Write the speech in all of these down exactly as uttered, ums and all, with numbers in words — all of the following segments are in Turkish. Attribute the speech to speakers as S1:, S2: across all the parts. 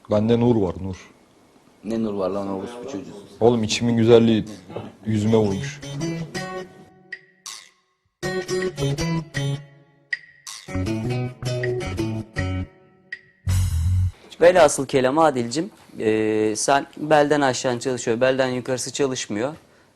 S1: Bende nur var, nur.
S2: Ne nur var lan orospu çocuğu.
S1: Oğlum içimin güzelliği yüzüme vurmuş.
S3: Velhasıl kelam Adil'cim, e, sen belden aşağı çalışıyor, belden yukarısı çalışmıyor.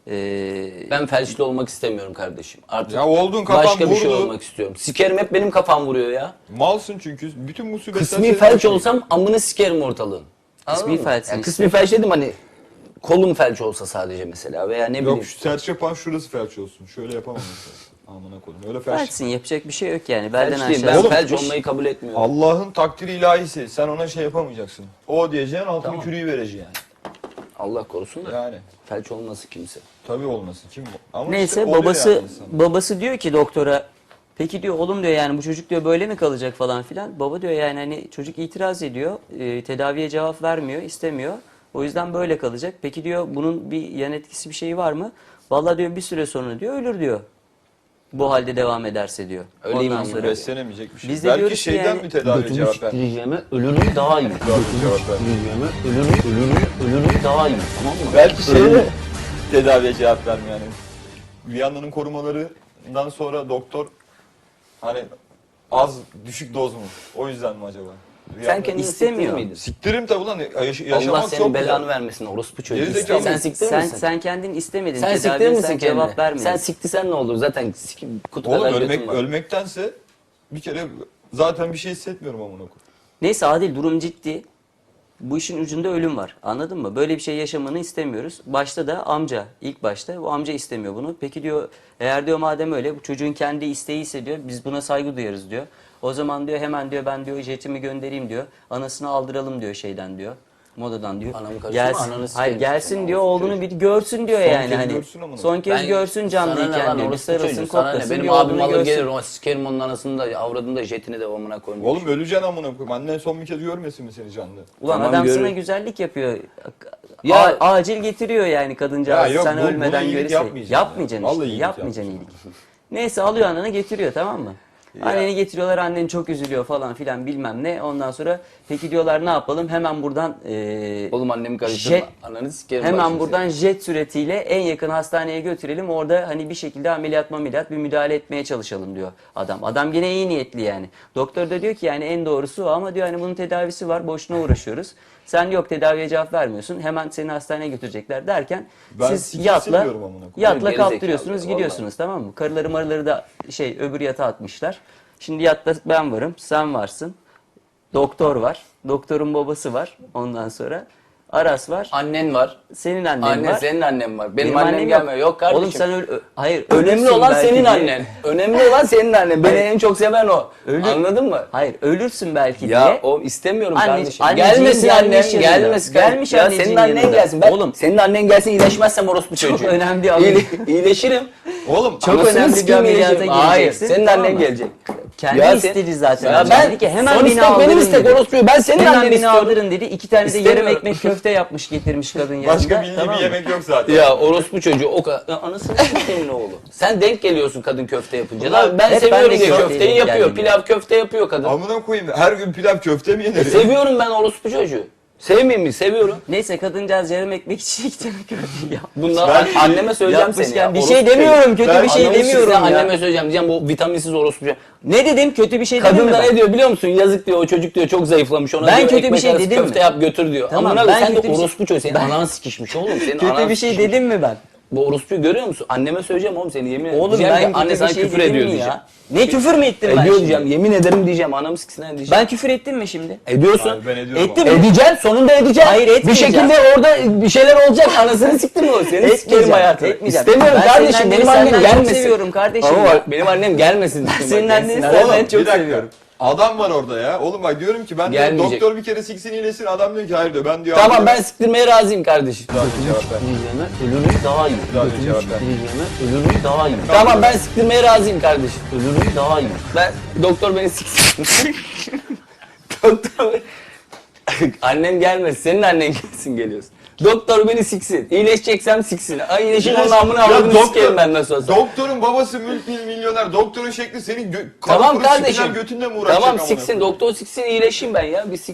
S3: E,
S2: Ben felçli olmak istemiyorum kardeşim. Artık
S1: Ya oldun, kafan
S2: başka bir şey
S1: vurdu.
S2: olmak istiyorum. Sikerim, hep benim kafam vuruyor ya.
S1: Malsın çünkü. Bütün musibetler...
S2: Kısmi
S1: senin
S2: felç
S1: başına.
S2: olsam amını sikerim ortalığın. Anladın
S3: Kısmi
S2: mı?
S3: felçsin
S2: Ya
S3: işte.
S2: kısmi felç dedim hani kolum felç olsa sadece mesela veya ne bileyim.
S1: Yok, şu serçe yapan şurası felç olsun. Şöyle yapamam mesela. Amına koyayım. Öyle felç.
S3: felçsin, yapacak bir şey yok yani. Belden
S2: Felç değil.
S3: aşağı.
S2: Ben
S1: Oğlum,
S2: felç
S1: iş-
S2: olmayı kabul etmiyorum.
S1: Allah'ın takdiri ilahisi. Sen ona şey yapamayacaksın. O diyeceksin, altını
S2: Tamam.
S1: kürüyü vereceksin yani.
S2: Allah korusun da.
S1: Yani.
S2: Felç olması kimse.
S1: Tabii olmasın. Kim bu? Ama
S3: Neyse
S1: işte oluyor
S3: babası
S1: yani insan.
S3: babası diyor ki doktora, peki diyor oğlum diyor yani bu çocuk diyor böyle mi kalacak falan filan. Baba diyor yani hani çocuk itiraz ediyor, e, tedaviye cevap vermiyor, istemiyor. O yüzden böyle kalacak. Peki diyor bunun bir yan etkisi bir şeyi var mı? Vallahi diyor bir süre sonra diyor ölür diyor. Bu halde devam ederse diyor.
S2: Öleyim
S3: Ondan
S2: amına
S3: sonra
S1: Beslenemeyecek bir şey.
S3: Biz de
S1: Belki
S3: diyoruz ki
S1: şeyden
S3: yani-
S1: mi tedavi cevap ver?
S2: siktireceğime ölürüm daha iyi.
S1: Cevap ver.
S2: Siktireceğime ölürüm, ölürüm, ölürüm daha iyi. Tamam mı?
S1: Belki şeyde tedaviye cevap vermiyor yani. Viyana'nın korumalarından sonra doktor hani az düşük doz mu? O yüzden mi acaba?
S2: Sen kendini
S3: İstemiyor.
S2: siktirir miydin?
S1: Siktirim tabi lan, yaş- yaşamak
S2: Allah
S1: çok
S2: senin
S1: güzel.
S2: belanı vermesin orospu çocuğu.
S1: Gerizekalı.
S2: Sen siktirir
S3: sen
S2: misin?
S3: sen kendin istemedin.
S2: Sen siktirir
S3: tedaviye
S2: misin
S3: sen
S2: kendine?
S3: cevap vermedin.
S2: Sen siktisen ne olur? Zaten sik, kutu
S1: Oğlum
S2: kadar
S1: ölmek,
S2: götün var.
S1: ölmektense bir kere zaten bir şey hissetmiyorum amına koyayım.
S3: Neyse Adil, durum ciddi. Bu işin ucunda ölüm var. Anladın mı? Böyle bir şey yaşamanı istemiyoruz. Başta da amca, ilk başta bu amca istemiyor bunu. Peki diyor, eğer diyor madem öyle bu çocuğun kendi isteği ise diyor biz buna saygı duyarız diyor. O zaman diyor hemen diyor ben diyor jetimi göndereyim diyor. Anasını aldıralım diyor şeyden diyor. Modadan diyor.
S2: Anamı karıştırma,
S3: Gelsin,
S2: ananı sikeyim
S3: hayır
S2: işte,
S3: gelsin
S2: anamı
S3: diyor, oğlunu bir görsün diyor
S1: Son
S3: yani.
S1: kez
S3: Hani
S1: görsün amına.
S3: son kez
S2: Ben-
S3: görsün
S2: sana ne
S3: canlıyken
S2: lan
S3: diyor. Bir
S2: orospu
S3: sarılsın,
S2: çocuğu, sana ne?
S3: koklasın
S2: Benim
S3: diyor,
S2: abim
S3: oğlunu
S2: alır
S3: görsün.
S2: gelir o sikerim onun anasını da avradını da jetini de amına koymuş.
S1: Oğlum öleceksin amına koyayım. Annen son bir kez görmesin mi seni canlı?
S3: Ulan
S2: Tamam,
S3: adam sana
S2: görürüm.
S3: güzellik yapıyor.
S2: Ya-
S3: A- acil getiriyor yani kadıncağız.
S1: Ya yok,
S3: Sen
S1: bu-
S3: ölmeden
S1: buna iyilik
S3: görürse.
S1: yapmayacaksın
S3: Yapmayacaksın
S1: ya.
S3: işte.
S1: Vallahi iyilik
S3: Yapmayacaksın iyilik. Neyse alıyor ananı getiriyor, tamam mı? Anneni getiriyorlar, annen çok üzülüyor falan filan bilmem ne. Ondan sonra peki diyorlar ne yapalım? Hemen buradan e,
S2: Oğlum annemi karıştırma.
S3: jet,
S2: Ananı sikerim.
S3: hemen
S2: başını
S3: buradan jet suretiyle en yakın hastaneye götürelim. Orada hani bir şekilde ameliyat ameliyat bir müdahale etmeye çalışalım diyor adam. Adam gene iyi niyetli yani. Doktor da diyor ki yani en doğrusu o ama diyor hani bunun tedavisi var, boşuna uğraşıyoruz. Sen yok tedaviye cevap vermiyorsun. Hemen seni hastaneye götürecekler derken
S1: Ben
S3: siz
S1: sikir
S3: yatla
S1: sevmiyorum amına koyayım.
S3: yatla
S2: Gerizekalı,
S3: kaptırıyorsunuz,
S2: vallahi.
S3: gidiyorsunuz, tamam mı? Karıları marıları da şey öbür yatağa atmışlar. Şimdi yatta ben varım, sen varsın. Doktor var. Doktorun babası var. Ondan sonra Aras var.
S2: Annen var.
S3: Senin annen
S2: Annen,
S3: var.
S2: senin annen var. Benim,
S3: Benim
S2: annem,
S3: annem
S2: gelmiyor. Yok kardeşim.
S3: Oğlum sen öl ö- hayır.
S2: Önemli
S3: ölürsün
S2: olan
S3: belki
S2: senin
S3: diye.
S2: annen. Önemli olan senin annen. Beni
S3: Hayır.
S2: en çok seven o.
S3: Ölür-
S2: Anladın mı?
S3: Hayır, ölürsün belki
S2: Ya
S3: diye.
S2: o istemiyorum
S3: Anne-
S2: kardeşim.
S3: anneciğin
S2: Gelmesin
S3: gelmiş
S2: annem,
S3: yanında.
S2: gelmesin.
S3: Gelmiş
S2: ya
S3: anneciğin
S2: senin annen
S3: yanında.
S2: gelsin. Ben,
S3: Oğlum.
S2: senin annen gelsin iyileşmezsem orospu
S3: Çok
S2: çocuğu.
S3: önemli bir
S2: İyile,
S3: ameliyat.
S2: iyileşirim.
S1: Oğlum
S3: Çok
S2: Anasını
S3: önemli bir
S2: sikeyim,
S3: ameliyata
S2: iyileşirim. Hayır,
S3: gireceksin,
S2: senin
S3: tamam
S2: annen
S3: mı?
S2: gelecek.
S3: Kendi
S2: Ya
S3: istedi
S2: sen-
S3: zaten.
S2: Ya
S3: amca.
S2: ben
S3: Dedi ki hemen
S2: son
S3: beni
S2: istek
S3: aldırın
S2: benim istek
S3: dedi.
S2: orospuyu. Ben senin
S3: Hemen
S2: annen
S3: beni
S2: istiyorum.
S3: aldırın dedi. İki tane de yarım
S2: İstemiyorum.
S3: ekmek köfte yapmış getirmiş kadın yanında.
S1: başka bildiği
S3: tamam
S1: bir
S3: mı?
S1: yemek yok zaten.
S2: Ya orospu çocuğu o kadar. Ya anasını sikeyim oğlu. Sen denk geliyorsun kadın köfte yapınca.
S1: Ulan
S2: Lan ben
S3: hep
S2: seviyorum
S3: ben de
S2: diye
S3: köfteye
S2: köfteyi
S3: denk
S2: yapıyor.
S3: geldim
S2: Pilav köfte yapıyor kadın.
S1: Amına koyayım, her gün pilav köfte mi yenir?
S2: Seviyorum ben orospu çocuğu. Sevmeyeyim mi? Seviyorum.
S3: Neyse kadıncağız yarım ekmek için iki tane köfte yapmış.
S2: Bunlar
S1: Ben-
S2: anneme söyleyeceğim seni
S3: Yapmışken
S2: ya.
S3: bir
S2: orospu
S3: şey demiyorum,
S2: çocuğu.
S3: kötü
S1: Ben
S3: bir şey
S2: Anamı
S3: demiyorum
S2: sikeyim,
S3: ya.
S2: Anneme söyleyeceğim diyeceğim bu vitaminsiz orospu çocuğu.
S3: Ne dedim, kötü bir şey dedim
S2: Kadın
S3: mi
S2: da
S3: ben?
S2: ne diyor biliyor musun? Yazık diyor o çocuk diyor çok zayıflamış ona
S3: Ben
S2: diyor,
S3: kötü bir
S2: ekmek
S3: şey
S2: arası
S3: dedim
S2: köfte
S3: mi?
S2: yap götür diyor.
S3: Tamam,
S2: Amına
S3: ben
S2: sen de
S3: kötü bir şey-
S2: orospu çocuğu senin
S3: Ben-
S2: anan sikişmiş oğlum senin
S3: Kötü
S2: anan
S3: bir şey
S2: sikişmiş.
S3: dedim mi ben?
S2: Bu orospuyu görüyor musun? Anneme söyleyeceğim oğlum seni yemin ederim.
S3: Oğlum
S2: Diyeceğim
S3: ben
S2: ki, anne
S3: kötü
S2: sana
S3: bir şey
S2: küfür
S3: dedim
S2: ediyor
S3: mi
S2: diyeceğim.
S3: ya? Ne küfür mü ettim ben
S2: Ediyor
S3: şimdi?
S2: diyeceğim yemin ederim diyeceğim anamı siksin diyeceğim.
S3: Ben küfür ettim mi şimdi?
S2: Ediyorsun.
S1: Abi ben ediyorum.
S3: Ettim
S1: ama.
S3: mi?
S2: Edeceksin sonunda edeceksin.
S3: Hayır,
S2: Bir
S3: etmeyeceğim.
S2: şekilde orada bir şeyler olacak anasını siktim o. Seni
S3: Etmeyeceğim,
S2: sikerim hayatını.
S3: etmeyeceğim.
S2: İstemiyorum
S3: Ben
S2: kardeşim
S3: senin
S2: benim
S3: anneni
S2: annem
S3: senden çok
S2: gelmesin.
S3: seviyorum kardeşim
S2: Ama
S3: ya.
S2: bak benim annem gelmesin.
S3: Ben senin anneni
S2: Bak,
S3: senden
S1: Oğlum,
S3: çok
S1: bir dakika.
S3: seviyorum.
S1: Adam var orada ya. Oğlum bak diyorum ki ben diyor,
S2: Gelmeyecek.
S1: doktor bir kere siksin iyileşsin. Adam diyor ki hayır diyor. Ben diyor.
S2: Tamam
S1: abi
S2: ben
S1: diyor,
S2: siktirmeye razıyım kardeşim.
S1: daha bir cevap ver.
S2: Diyeceğime ölürüm daha iyi.
S1: Daha bir cevap ver.
S2: Diyeceğime ölürüm daha iyi. Tamam ben siktirmeye razıyım kardeşim. Ölürüm daha iyi. Ben doktor beni siksin. Doktor annem gelmesin. Senin annen gelsin geliyorsun. Doktor beni siksin. İyileşeceksem siksin. Ay iyileşin onun amına
S1: Ya
S2: avradını
S1: doktor-
S2: sikerim ben nasıl olsa.
S1: Doktorun babası mülk milyoner. Doktorun şekli senin gö-
S2: Tamam
S1: kanı kurup
S2: kardeşim.
S1: sikeceğin götünle mi uğraşacak
S2: Tamam
S1: amına
S2: siksin.
S1: koyayım?
S2: Doktor siksin iyileşeyim ben ya. Bir siksin.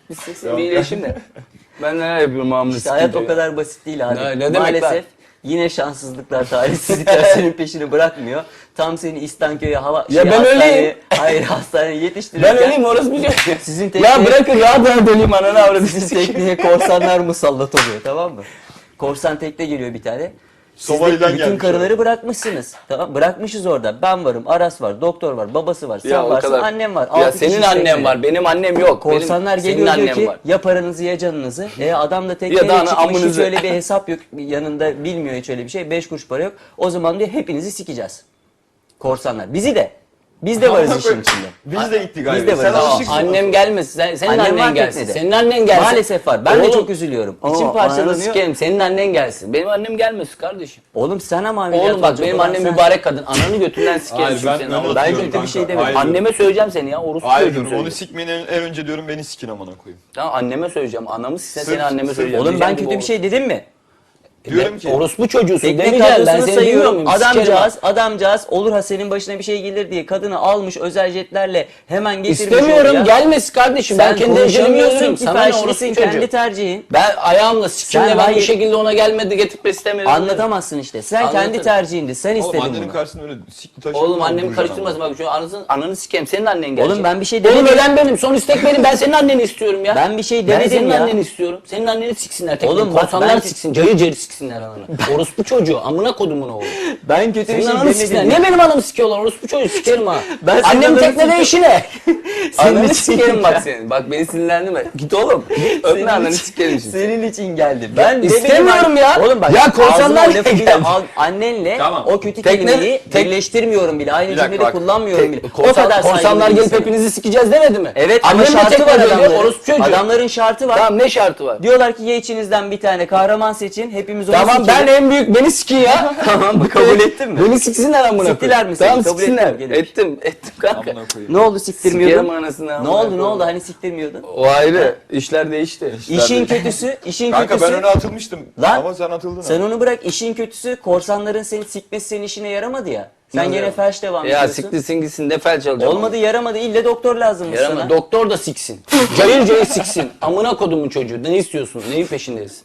S2: Bitsin bir iyileşim de. Ben neler yapıyorum amına
S3: İşte hayat
S2: sikeyim
S3: o kadar basit değil abi.
S2: Ne- ne demek
S3: Maalesef
S2: lan?
S3: yine şanssızlıklar, talihsizlikler senin peşini bırakmıyor. Tam seni İstanköy'e hava
S2: Ya ben
S3: hastaneye-
S2: öyleyim.
S3: Hayır hastaneye yetiştirirken
S2: Ben öleyim orası bir şey.
S3: sizin tekneye,
S2: Ya bırakın rahat rahat öleyim ananı avradı.
S3: sizin tekneye korsanlar musallat oluyor, tamam mı? Korsan tekne geliyor bir tane. Siz de
S1: Somali'den
S3: bütün
S1: gelmiş
S3: karıları bırakmışsınız. Tamam, bırakmışız orada. Ben varım, Aras var, doktor var, babası var, sen
S2: Ya o
S3: varsın,
S2: kadar.
S3: annem var.
S2: Ya
S3: Altı
S2: senin
S3: kişi
S2: annen
S3: teknede.
S2: var, benim annem yok.
S3: Korsanlar
S2: benim, senin
S3: geliyor diyor
S2: annen
S3: ki
S2: var.
S3: ya paranızı ya canınızı. E adam da tekneye
S2: Ya da ana
S3: çıkmış hiç
S2: amınızı.
S3: öyle bir hesap yok yanında, bilmiyor hiç öyle bir şey. Beş kuruş para yok. O zaman diyor hepinizi sikeceğiz. Korsanlar. Bizi de. Biz de varız işin içinde.
S1: Biz de gittik galiba.
S3: Biz de varız.
S1: Sen
S3: Tamam,
S1: alışıksın.
S2: Annem gelmesin. Sen, senin
S3: Annem var
S2: annen gelsin.
S3: teknede.
S2: Senin annen gelsin.
S3: Maalesef var. Ben de
S2: Oğlum,
S3: çok üzülüyorum. İçim
S2: Aa, ananı
S3: parçalanıyor.
S2: sikerim. Senin annen gelsin. Benim annem gelmesin kardeşim.
S3: Oğlum sen ama ameliyat
S2: Oğlum bak
S3: olacak
S2: benim
S3: olan
S2: annem
S3: sen.
S2: mübarek kadın. Ananı götünden sikerim
S1: Hayır,
S2: çünkü
S1: ben
S2: senin
S1: öyle
S2: amına.
S3: Ben
S1: atıyorum
S3: kötü bir şey
S1: kanka.
S3: demedim.
S1: Hayır.
S2: Anneme söyleyeceğim seni ya. Orospu
S1: Hayır
S2: çocuğum
S1: diyorum, onu
S2: söyleyeceğim.
S1: sikmeyin en, en önce diyorum beni sikin amına koyayım.
S2: Tamam anneme söyleyeceğim. Anamı siksen
S1: Sırf-
S2: seni anneme
S1: sırf-
S2: söyleyeceğim.
S3: Oğlum ben
S2: Diyeceğim
S3: kötü
S2: ki
S3: bir şey dedim mi?
S1: Diyorum ki
S2: Orospu çocuğusun
S3: Tekne
S2: demeyeceğim. Ben
S3: kadrosunu
S2: seni bilmiyor
S3: sayıyorum.
S2: muyum? Sikerim
S3: Adamcağız, adamcağız olur ha senin başına bir şey gelir diye kadını almış özel jetlerle hemen getirmiş
S2: İstemiyorum
S3: oraya.
S2: gelmesin kardeşim.
S3: Sen
S2: Ben kendi ecelimi
S3: konuşamıyorsun
S2: yazıyorum.
S3: ki,
S2: Sana ne orospu
S3: felçlisin,
S2: çocuğu.
S3: kendi tercihin.
S2: Ben ayağımla sikimle
S3: Sen
S2: ben
S3: hayır-
S2: bu şekilde ona gelmedi getirip istemiyorum.
S3: Anlatamazsın işte. Sen kendi
S2: Anlatırım.
S3: tercihindi. Sen
S1: oğlum
S3: istedin
S1: annenin
S3: bunu.
S1: karşısında öyle sikli taşı.
S2: Oğlum annemi karıştırmasın bak şu anasını, ananı sikeyim senin annen gelecek.
S3: Oğlum ben bir şey
S2: Oğlum
S3: demedim.
S2: ölen benim son istek benim ben senin anneni istiyorum ya.
S3: Ben bir şey
S2: Ben
S3: demedim
S2: senin
S3: ya.
S2: anneni istiyorum. Senin anneni siksinler tekrar.
S3: Oğlum bak
S2: Korsanlar
S3: ben-
S2: siksin cayır cayır siksinler ananı. Orospu çocuğu amına kodumun oğlu.
S3: Ben kötü bir
S2: Senin
S3: şey
S2: ananı
S3: demedim.
S2: siksinler.
S3: ya.
S2: Niye benim anamı sikiyorlar orospu çocuğu sikerim ha.
S3: Ben senin
S2: Annem
S3: ananı
S2: teknede
S3: sikiyorum.
S2: işi ne?
S3: Senin
S2: Ananı
S3: için
S2: sikerim
S3: ya.
S2: bak senin. Bak beni sinirlendirme. Git oğlum. Git öpme
S3: Senin
S2: ananı
S3: için-
S2: sikerim şimdi.
S3: Senin için geldim. Ben demedim
S2: istemiyorum
S3: abi.
S2: ya.
S3: Oğlum bak.
S2: Ya korsanlar
S3: ağzıma
S2: niye
S3: lafı bile
S2: geldi?
S3: al- annenle
S1: Tamam.
S3: o kötü
S2: Tekne-
S3: kelimeyi
S2: tek-
S3: birleştirmiyorum bile. Aynı
S1: Bir dakika
S3: cümlede
S1: bak.
S3: kullanmıyorum bile.
S2: Korsan,
S3: o kadar
S2: korsanlar
S3: saygılı
S2: gelip
S3: insanım.
S2: hepinizi sikeceğiz demedi mi?
S3: Evet ama
S2: Annem de
S3: şartı
S2: teknede
S3: var
S2: öyle,
S3: adamların.
S2: orospu çocuğu.
S3: Adamların şartı var.
S2: Tamam ne şartı var?
S3: Diyorlar ki ya içinizden bir tane kahraman seçin. Hepimiz onu
S2: Tamam ben
S3: sikelim.
S2: en büyük beni sikin ya.
S3: Tamam mı? Kabul ettin mi?
S2: Beni siksinler amına koyayım.
S3: Siktiler mi seni?
S2: Tamam
S3: Kabul
S2: siksinler.
S3: ettin mi? Gelin.
S2: Ettim. Ettim kanka.
S1: Amına koyayım.
S3: Ne oldu
S2: Sikerim
S3: siktirmiyordun?
S2: anasını
S3: Ne
S2: amına
S3: oldu ne
S2: koyayım.
S3: oldu hani siktirmiyordun?
S2: O ayrı. İşler değişti.
S3: İşin kötüsü, işin
S1: Kanka
S3: kötüsü.
S1: ben öne atılmıştım.
S3: Lan,
S1: Ama sen atıldın.
S3: Sen
S1: ha.
S3: onu bırak, işin kötüsü korsanların seni sikmesi senin işine yaramadı ya. Sen
S1: Nasıl
S3: gene
S1: ya?
S3: felç devam
S2: Ya
S3: ediyorsun.
S2: siktirsin gitsin de felç alacağım.
S3: Olmadı yaramadı ille doktor lazımmış
S2: Yarama.
S3: sana.
S2: Doktor da siksin. Cayır cayır siksin. Amına kodumun çocuğu. Ne istiyorsun? Neyin peşindeyiz?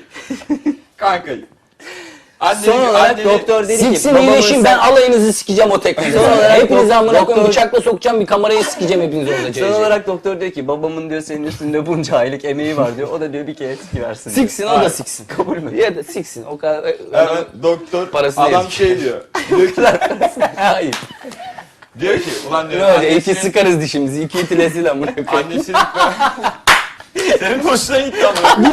S1: Kanka. Anneni,
S3: Son olarak
S1: anneni-
S3: doktor dedi ki
S2: Siksin
S3: babamın
S2: iyileşin
S3: sen-
S2: ben alayınızı sikeceğim o teknede.
S3: Son olarak
S2: Hepinizi
S3: dok-
S2: amına koyayım
S3: doktor-
S2: bıçakla sokacağım bir kamerayı sikeceğim hepinizi orada cayır
S3: Son
S2: cayır.
S3: olarak doktor diyor ki babamın diyor senin üstünde bunca aylık emeği var diyor. O da diyor bir kere sikiversin diyor.
S2: Siksin o da
S1: Hayır.
S2: siksin. Kabul mü? Ya da siksin. O kadar.
S1: Evet doktor
S2: Parasını
S1: adam
S2: yazık.
S1: şey diyor. Diyor ki,
S2: Hayır.
S1: diyor ki ulan diyor
S2: Öyle iki
S1: annesinin,
S2: sıkarız dişimizi. İki itilesil amına koyayım.
S1: annesinin senin hoşuna gitti ama.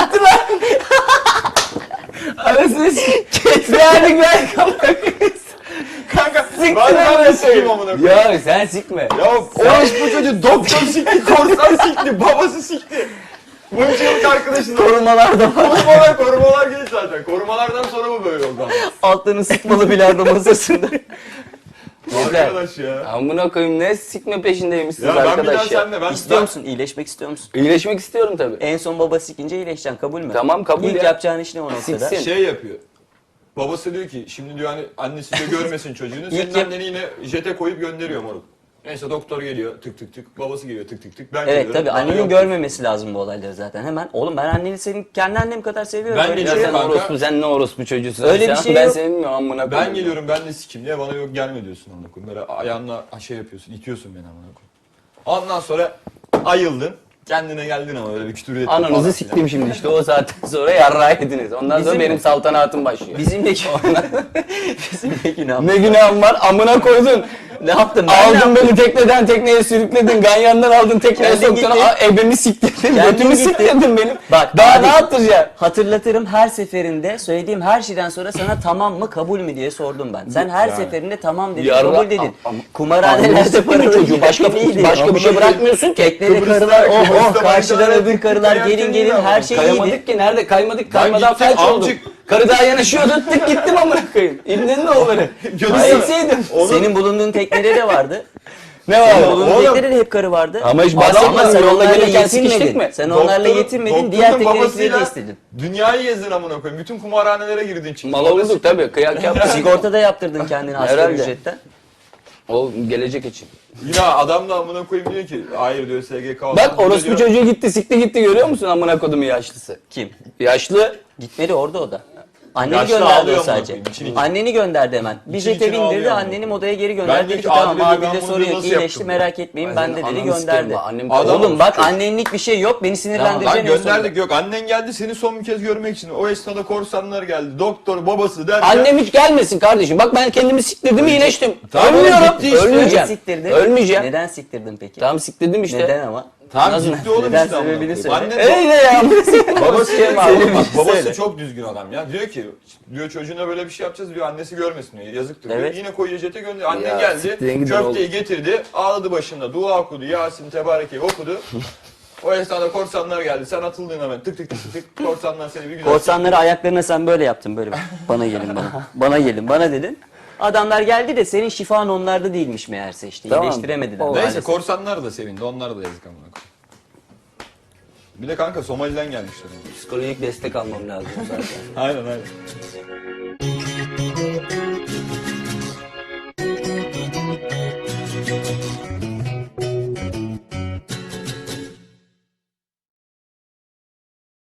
S2: Arasını keslerdik ben amına koyayım.
S1: Kanka
S2: Siktir
S1: ben ben
S2: amına
S1: de sikeyim
S2: koyayım.
S1: amına koyayım.
S2: Ya sen sikme.
S1: Ya orospu çocuğu doktor sikti, korsan sikti, babası sikti. Bunca yıllık arkadaşın.
S3: Korumalar da var.
S1: Korumalar, korumalar geç zaten. Korumalardan sonra bu böyle oldu ama.
S3: Altlarını sıkmalı bilardo masasında.
S2: Yeter.
S1: Arkadaş ya.
S2: Amına koyayım ne sikme peşindeymişsiniz
S1: Ya ben bir daha
S2: arkadaş ya.
S1: senle ben
S3: İstiyor
S1: ben-
S3: musun? İyileşmek istiyor musun?
S2: İyileşmek istiyorum tabii.
S3: En son baba sikince iyileşeceksin kabul mü?
S2: Tamam, kabul
S3: İlk
S2: ya.
S3: yapacağın iş ne o noktada?
S2: Siksin.
S1: şey yapıyor. Babası diyor ki şimdi diyor hani annesi de görmesin çocuğunu. Senin
S3: İlk yap-
S1: anneni yine jete koyup gönderiyor moruk. Neyse doktor geliyor tık tık tık. Babası geliyor tık tık tık. Ben
S3: Evet
S1: geliyorum.
S3: tabii
S1: Bana
S3: annenin
S1: yok.
S3: görmemesi lazım bu olayları zaten hemen. Oğlum ben anneni senin kendi annem kadar seviyorum.
S1: Ben
S3: Öyle bir
S2: Ya
S3: şey
S2: sen
S3: yok.
S1: Kanka.
S2: orospu sen ne orospu çocuğusun.
S3: Öyle bir
S2: Sen-
S3: şey
S2: Ben
S3: yok.
S2: seni bilmiyorum amına koyayım.
S1: Ben geliyorum ben de sikim diye bana yok gelme diyorsun amına koyayım. Böyle ayağınla şey yapıyorsun, itiyorsun beni amına koyayım. Ondan sonra ayıldın. Kendine geldin ama öyle bir kütür ettin falan
S2: Ananızı
S1: filan.
S2: siktim şimdi işte o saatten sonra yarrağı yediniz. Ondan
S3: Bizim
S2: sonra benim
S3: mi?
S2: saltanatım başlıyor.
S3: Bizimle Bizimle günah.
S2: Ne günahım var amına koydun.
S3: Ne yaptım ben? ne
S2: Aldın
S3: yaptım?
S2: beni tekneden tekneye sürükledin. Ganyandan aldın tekneye
S3: Kendin
S2: soktun.
S3: gittin.
S2: Aa, ebemi siktirdin.
S3: Kendin
S2: Götümü
S3: gittin.
S2: siktirdin benim.
S3: Bak,
S2: daha
S3: hadi.
S2: ne yaptıracaksın?
S3: Hatırlatırım her seferinde söylediğim her şeyden sonra sana tamam mı kabul mü diye sordum ben. Sen her
S1: Yani.
S3: seferinde tamam dedin,
S2: Yarra-
S3: kabul dedin.
S2: Am- am-
S3: Kumarhanelerde
S2: Ananı
S3: paralı
S2: çocuğu başka
S3: neydi?
S2: başka bir şey bırakmıyorsun ki.
S3: Teknede
S1: Kıbrıs'ta-
S3: karılar oh oh
S1: Kıbrıs'ta
S3: karşıdan
S1: bayrağı
S3: öbür karılar
S1: kayak
S3: gelin gelin
S1: değil
S3: her
S1: ama.
S3: şey
S2: Kayamadık
S3: iyiydi.
S2: ki nerede kaymadık kaymadan
S1: gittim,
S2: felç oldum.
S1: amcık.
S2: Karı daha yanaşıyordu tık gittim amına koyayım. İbnenin oğulları.
S1: Götürsene.
S2: Gitseydim.
S3: Senin bulunduğun teknede de vardı.
S2: Ne
S3: Senin
S2: var?
S3: bulunduğun
S1: Oğlum.
S3: teknede de hep karı vardı.
S2: Ama hiç
S3: Ama
S2: bahsetmedim.
S3: sen
S2: Yolda
S3: onlarla
S2: gelirken sikiştik
S3: yetinmedin.
S2: mi?
S3: Sen onlarla
S1: Doktorun-
S3: yetinmedin.
S1: doktorun
S3: Diğer teknedekileri
S1: babasıyla
S3: de istedin.
S1: Dünyayı gezdin amına koyayım. Bütün kumarhanelere girdin çıktın.
S2: Mal olduk tabii. Kıyak yaptık.
S3: Sigorta da yaptırdın kendine asgari
S2: Herhalde.
S3: ücretten.
S2: O gelecek için.
S1: Yine adam da amına koyayım diyor ki hayır diyor S G K olan.
S2: Bak
S1: Bu da
S2: orospu
S1: diyor-
S2: çocuğu gitti sikti gitti görüyor musun amına kodumun yaşlısı?
S3: Kim?
S2: Yaşlı.
S3: Gitmedi orada o da. Anneni
S1: Yaşlı
S3: gönderdi
S1: ağlıyor
S3: o
S1: amına
S3: sadece.
S1: koyayım, için için.
S3: Anneni gönderdi hemen. Bir
S1: İçin
S3: jete
S1: içine ağlıyor
S3: bindirdi,
S1: amına
S3: anneni
S1: koyayım.
S3: odaya geri
S1: Ben
S3: gönderdi.
S1: diyor
S3: Dedi
S1: ki,
S3: ki tamam
S1: Adile diyor, ben
S3: abi de
S1: bunu
S3: sorun yok
S1: nasıl
S3: iyileşti
S1: yaptım
S3: merak etmeyin
S2: Ben
S3: ben
S2: senin
S3: de dedi
S2: ananı
S3: gönderdi.
S2: sikerim bak, annem
S1: Adam-
S3: Oğlum bak annenlik bir şey yok beni
S1: Lan
S3: sinirlendireceksin. en sonunda.
S1: gönderdik yok. Annen geldi seni son bir kez görmek için. O esnada korsanlar geldi. Doktor babası derken.
S2: Annem hiç gelmesin kardeşim. Bak ben kendimi siktirdim iyileştim.
S1: Tamam,
S2: Ölmüyorum.
S1: gitti işte.
S2: Ölmeyeceğim.
S3: Neden siktirdin?
S2: Ölmeyeceğim.
S3: Neden siktirdin peki?
S2: Tamam siktirdim işte.
S3: Neden ama?
S1: Tamam
S2: Nasıl-
S1: ciddi oğlum
S3: Neden
S1: işte amına
S3: sebebini
S1: koyayım.
S3: söyle.
S1: Annen
S2: Öyle ya.
S1: babası
S2: Şey
S1: diyor
S2: var,
S1: ki,
S2: oğlum,
S1: bak, babası
S3: söyle.
S1: çok düzgün adam ya. Diyor ki diyor çocuğuna böyle bir şey yapacağız diyor annesi görmesin diyor. Yazıktır diyor.
S3: Evet.
S1: Yine koyuyor jete gönderiyor. Annen
S2: Ya,
S1: geldi
S2: siktirin gidin
S1: köfteyi
S2: oğlum.
S1: getirdi. Ağladı başında. Dua okudu. Yasin Tebareke'yi okudu. O esnada korsanlar geldi. Sen atıldın hemen. Tık tık tık tık. Korsanlar seni bir güzel.
S3: Korsanları ayaklarına sen böyle yaptın böyle. Bana gelin bana. Bana gelin bana dedin. Adamlar geldi de senin şifan onlarda değilmiş meğerse işte.
S2: Tamam.
S3: İyileştiremediler.
S2: Neyse,
S1: Neyse
S3: maalesef.
S1: korsanlar da sevindi. Onlar da yazık amına koyayım. Bir de kanka Somali'den gelmişler.
S2: Psikolojik destek almam lazım zaten.
S1: Aynen aynen.